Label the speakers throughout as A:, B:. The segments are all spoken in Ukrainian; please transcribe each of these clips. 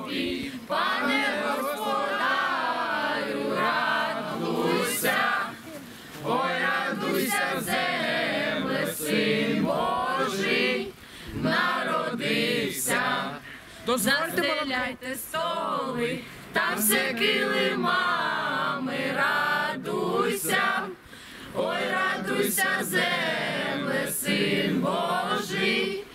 A: тобі, пане господарю, радуйся, ой, радуйся, земле, Син Божий народився. Застеляйте столи та все килимами, радуйся, ой, радуйся, земле, Син Божий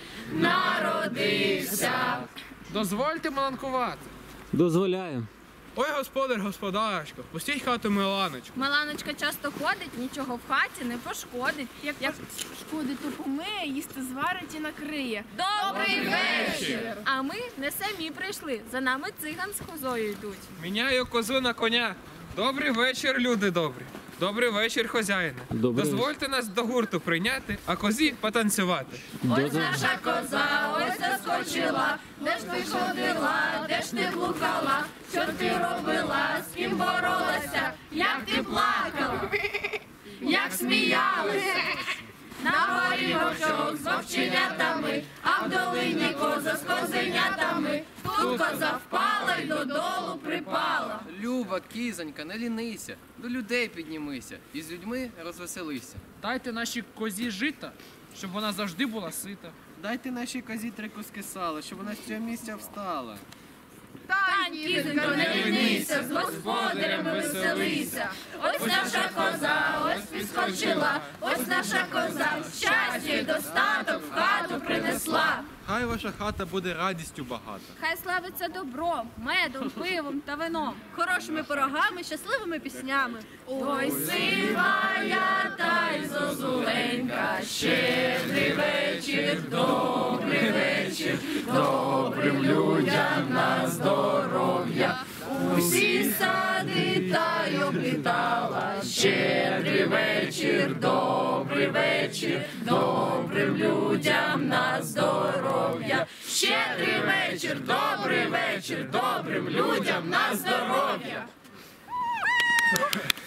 A: народився.
B: Дозвольте маланкувати.
C: Дозволяю.
B: Ой, господар, господарочко, пустіть хату Миланочку.
D: Миланочка часто ходить, нічого в хаті не пошкодить. Як шкодить, то помиє, їсти зварить і накриє.
A: Добрий вечір!
D: А ми не самі прийшли, за нами циган з козою йдуть.
B: Міняю козу на коня. Добрий вечір, люди добрі. Добрий вечір, хозяїне.
C: Добрий
B: Дозвольте нас до гурту прийняти, а козі потанцювати.
A: Ось наша коза, ось заскочила, де ж ти ходила, де ж ти блукала, що ти робила, з ким боролася, як ти плакала, як сміялася. На горі вовчок з вовченятами, а в долині коза з козенятами. Тут коза впала й додолу припала.
E: Люба, кізонька, не лінися, до людей піднімися і з людьми розвеселися.
B: Дайте нашій козі жита, щоб вона завжди була сита.
E: Дайте нашій козі 3 куски сала, щоб вона з цього місця встала.
A: Тань, кізонько, не лінися, з господарями веселися. Ось наша коза, ось підскочила, ось наша коза, щастя й достаток в хату принесла.
F: Хай ваша хата буде радістю багата.
D: Хай славиться добром, медом, пивом та вином, хорошими пирогами, щасливими піснями.
A: Ой, сивая та й зозуленька, щедрий вечір, добрий вечір, добрим людям на здоров'я. Усі сади та й облітала, щедрий вечір, добрий вечір, добрим людям на здоров'я. Щедрий вечір, добрий вечір, добрим людям на здоров'я.